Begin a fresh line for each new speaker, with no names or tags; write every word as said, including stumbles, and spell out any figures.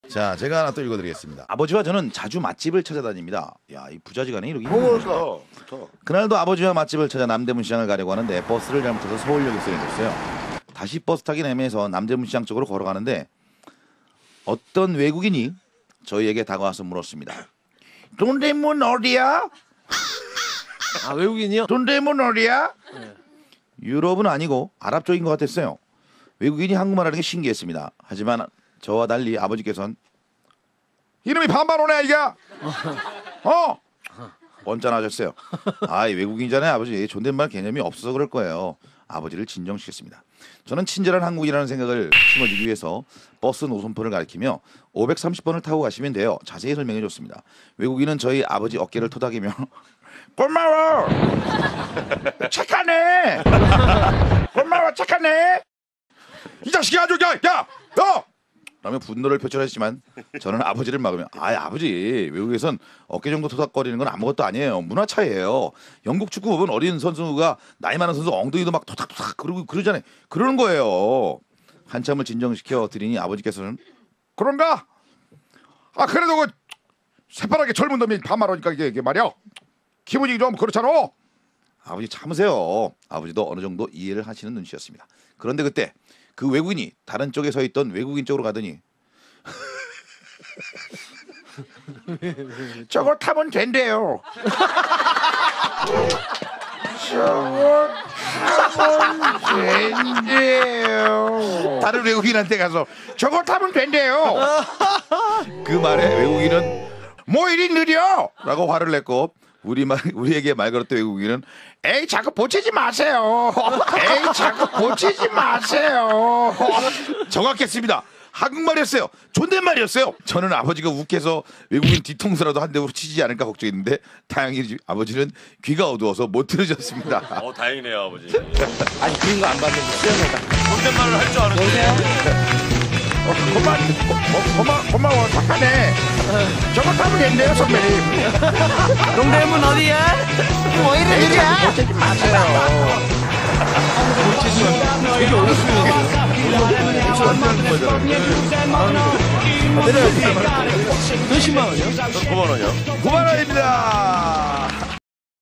자, 제가 하나 또 읽어드리겠습니다. 아버지와 저는 자주 맛집을 찾아다닙니다. 야, 이 부자지간에 이렇게.
어,
그날도 아버지와 맛집을 찾아 남대문 시장을 가려고 하는데 버스를 잘못해서 서울역에 내렸어요. 다시 버스 타긴 애매해서 남대문 시장 쪽으로 걸어가는데 어떤 외국인이 저희에게 다가와서 물었습니다. 동대문 어디야?
아, 외국인이요?
동대문 어디야?
네.
유럽은 아니고 아랍 쪽인 것 같았어요. 외국인이 한국말하는 게 신기했습니다. 하지만 저와 달리 아버지께서는 이름이 반반오네 이가 어 언짢아하셨어요. 아, 외국인이잖아요 아버지. 존댓말 개념이 없어서 그럴 거예요. 아버지를 진정시켰습니다. 저는 친절한 한국이라는 생각을 심어주기 위해서 버스 노선표를 가리키며 오백삼십 번을 타고 가시면 돼요. 자세히 설명해 줬습니다. 외국인은 저희 아버지 어깨를 토닥이며 고마워 착하네 고마워 착하네 이 자식이 아주 야야 너 라며 분노를 표출했지만 저는 아버지를 막으며 아 아버지 외국에선 어깨 정도 토닥거리는 건 아무것도 아니에요. 문화 차이예요. 영국 축구 보면 어린 선수가 나이 많은 선수 엉덩이도 막 토닥토닥 그러고 그러잖아요. 그러는 거예요. 한참을 진정시켜 드리니 아버지께서는 그런가? 아 그래도 그 새파랗게 젊은 놈이 반말하니까 이게, 이게 말이야 기분이 좀 그렇잖아. 아버지 참으세요. 아버지도 어느 정도 이해를 하시는 눈치였습니다. 그런데 그때 그 외국인이 다른 쪽에 서 있던 외국인 쪽으로 가더니 저거 타면 된대요. 저거 타면 된대요. 다른 외국인한테 가서 저거 타면 된대요. 그 말에 외국인은 뭐 이리 느려? 라고 화를 냈고 우리 말, 우리에게 말 걸었던 외국인은 에이 자꾸 보채지 마세요. 에이 자꾸 보채지 마세요. 정확했습니다. 한국말이었어요. 존댓말이었어요. 저는 아버지가 욱해서 외국인 뒤통수라도 한 대로 치지 않을까 걱정했는데 다행히 아버지는 귀가 어두워서 못 들으셨습니다.
어 다행이네요 아버지.
아니 그런 거 안 봤는데 수영해다.
존댓말을 할 줄 아는데.
어, 고마, 고, 고마, 고마워 착하네. 저거 타면 된대요 선배님.
동대문 어디야? 뭐 이래 느려?
보채지 마세요.
되게 어렵습니다. 내려야지. 몇십만 원이요?
구만 원이요?
구만 원입니다.